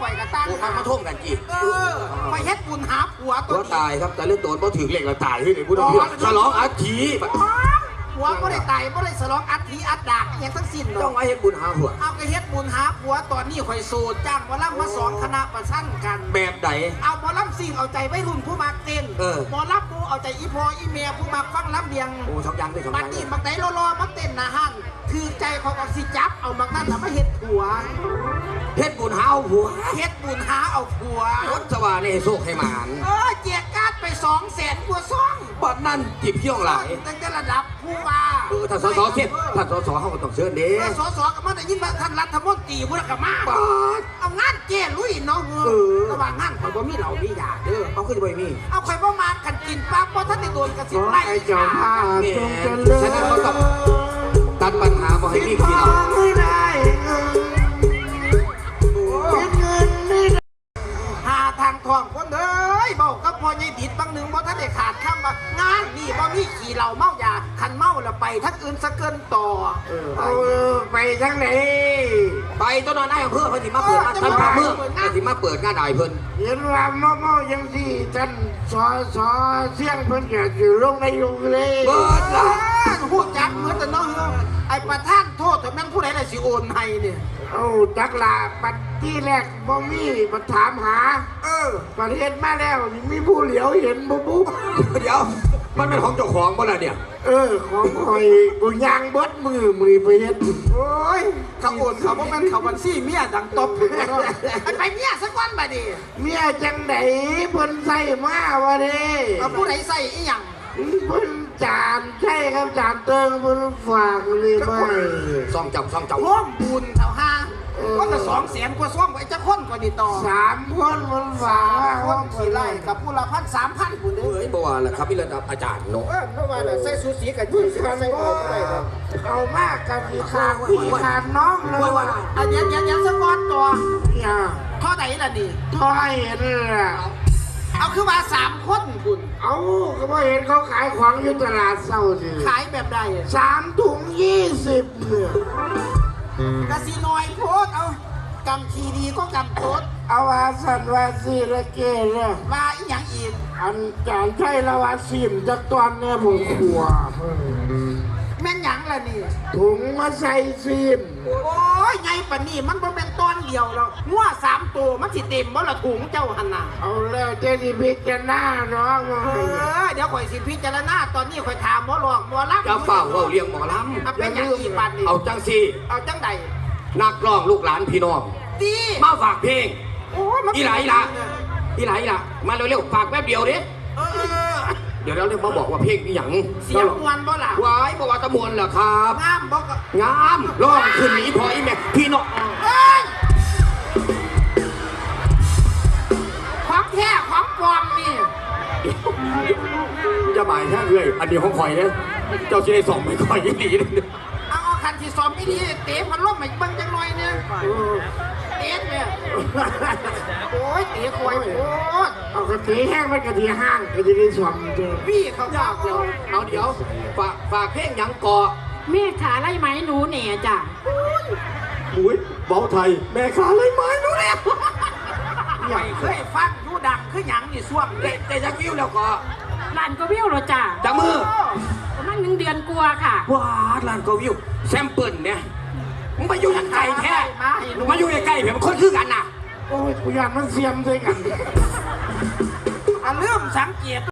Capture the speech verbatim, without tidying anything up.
ข่อยกระตั้งกูมาท่วมกันจีเออข่อยเฮ็ดบุญหาผัวตัตัว วตายครับแต่เรื่องตัวบ่ถึงเล็กเราตายที่ไหนกูต้องเพียฉลองอาทีผัวก็ได้ตายก็ได้ฉลองอัฐิอัดดากอย่างทั้งสิ้นต้องไว้ให้บุญหาหัวเอาก็เฮ็ดบุญหาผัวตอนนี้ข่อยโสดจ้างหมอลำมาสองคณะประชันกันแบบไหนเอาหมอลำสิ่งเอาใจไว้รุ่นผู้มักเต้นเออหมอลำปูเอาใจอีพออีเมียผู้มักฟังลำเลียงโอ้ทำยังด้วยทำบัยัดงนี้บักไหนรอๆมาเต้นนะฮั่นคือใจของออกซิจับเอาบักนั้นทำให้เฮ็ดผัวเฮ็ดบุญหาหัวเฮ็ดบุญหาเอาผัวรถสว่างในโชคให้หมานเออเจียกการ์ดไปสองแสนกว่าซ่องบัดนั่นจีบเที่ยวหลายตั้งแต่ระดับผู้ว่าเออถ้าสสเทียบถ้าสสเขาก็ต้องเชิญเด้เออสสก็มาได้ยินว่าท่านรัฐมนตรีพุทธกมาบาดเอางานเจ้ลุยเนาะเออระหว่างงานข่อยบ่มีเหล่ามียาเด้อเอาขึ้นไปมีเอาข่อยบ่มากันกินปั๊บบ่ทันได้โดนกระสิขบอไล่ให้เจ้าภาพเนี่ยจงเจริญฉะนั้นเขาต้องตัดปัญหาบ่ให้มีพี่น้องไม่ได้เงินเงินไม่ได้หาทางทองคนเอ้ยเบากับพ่อใหญ่ดิดบางหนึงบ่ทันได้ขาดคำว่างานนี่บ่มีขี่เหล้าเมายาคันเมาแล้วไปทั้งอื่นซะเกินต่อเอาไปทั้งไหนไปต้นนอนได้อำเภอเพิ่นสิมาเปิดท่านพาเมืองเพิ่นสิมาเปิดงานได้เพิ่นเห็นว่าเมาเมายังสี่ท่านสอสอเสียงเพิ่นก็อยู่ลงในลงเลยเปิดละพูดจักเหมือนแต่น้องไอ้ประธานโทษแต่แม่งผู้ใดล่ะสิโอนให้เนี่ยเอาจักลาปัดที่แรกบ่มีมาถามหาเออประเทศมาแล้วมีผู้เหลียวเห็นบุ๊บบุ๊บเดี๋ยวมันเป็นของเจ้าของบ่ล่ะเนี่ยเออของคอยกูยางเบิดมือมือไปเฮ็ดโอ้ยเขาโอนเขาบ่แม่นเขาบัญชีเมียดังตบพุ่นเนาะไอ้ไปเมียสักวันบัดนี้เมียจังไดเพิ่นใส่มาวะเด้เอาผู้ใดใส่อีหยังเพิ่นจานใช่ครับจานเติงเพิ่นฝากเลยไปซ่องเจ้าซ่องเจ้าร่วมบุญเท่าห้าก็จะสองแสนกว่าซ่องไอ้จะคนกว่านี่ต่อสามคนมันฝากคนขี่ไล่กับผู้ละพันสามพันผู้เด้อเอ้ยบ่ว่าล่ะครับพี่ระดับอาจารย์เนาะเออเพราะว่าน่ะใส่สูสีกับยี่สิบกันใส่ก็ออกได้ครับเอามากกันที่ขาดพี่ขาดน้องเลยว่ะอันนี้ยังยังสักวันตัวเนี่ยเท่าไหร่ล่ะนี่ทอยเห็นล่ะเอาคือว่าสามคนคุณเอาก็บ่เห็นเขาขายของอยู่ตลาดเศร้าสิขายแบบใดสามถุงยี่สิบเนี่ยกะสีน้อยโพดเอากำทีดีก็กำโพดเอาว่าสันว่าสีละเกเลยมาอีหยังอีกอันจานใช่ละว่าสิมจากตอนเนี่ยผมขัวแม่นหยังล่ะนี่ถุงมาใส่ซิมโอ้ยไงปะนี่มันบ่เป็นตอนเดียวแล้วงัวสามตัวมันสิเต็มบ่ละถุงเจ้าหันน่ะเอาแล้วเจดีพิจารณาน้องมาเออเดี๋ยวข่อยสิพิจารณาตอนนี้ข่อยถามหมอหลอกหมอรับจะเฝ้าเว้าเลี้ยงหมอลเอาเป็นหยังอีกบัดนี่ำเอาจังสิเอาจังใดนักร้องลูกหลานพี่น้องดีมาฝากเพลงโอ้ยมันอีหลาอีหลาอีหลาอีหลามาเร็วๆฝากแป๊บเดียวเด้เออเออเดี๋ยวเราเรียกมาบอกว่าเพลงอีหยังเสียงมวนบ่ล่ะวายบอกว่าตะมวนเหรอครับงามบ่ก็งามร้องขึ้นอีพออีแม่พี่น้องเอ้ยของแท้ของปลอมนี่จะบ่ายแค่เรื่อยอันนี้ของข่อยเนี่ยเจ้าชิได้ส่องไม่ค่อยยี่หลีเลยเอาเอาคันที่ซ้อมไม่ดีเตะพันล่มให้เบิ่งจังหน่อยเนี่ยเตะเนี่ยโอ้ยเตะควายโอ้ยเอากระตีแห้งไปกระตีห้างก็จะได้สวมเจอพี่เขาบอกเราเอาเดี๋ยวฝากฝากเพลงหยังก่อแม่ขาไล่ไหมหนูเหน่จ้ะอุ้ยเบาไทยแม่ขาเลยไหมรู้แล้วไม่เคยฟังยูดังคือหยังนี่ส่วงเด็กแต่จะวิวแล้วก็ลานก็วิวเหรอจ้ะจังมือประมาณหนึ่งเดือนกลัวาค่ะว้าลานก็วิวแซมเปิลเนี่ยมึงมาอยู่ยังไกลแท้มาให้รู้มาอยู่ใกล้ๆเพื่อนคนคือกันน่ะโอ้ยกูอยากมันเสียมด้วยกันอ่ะเริ่มสังเกต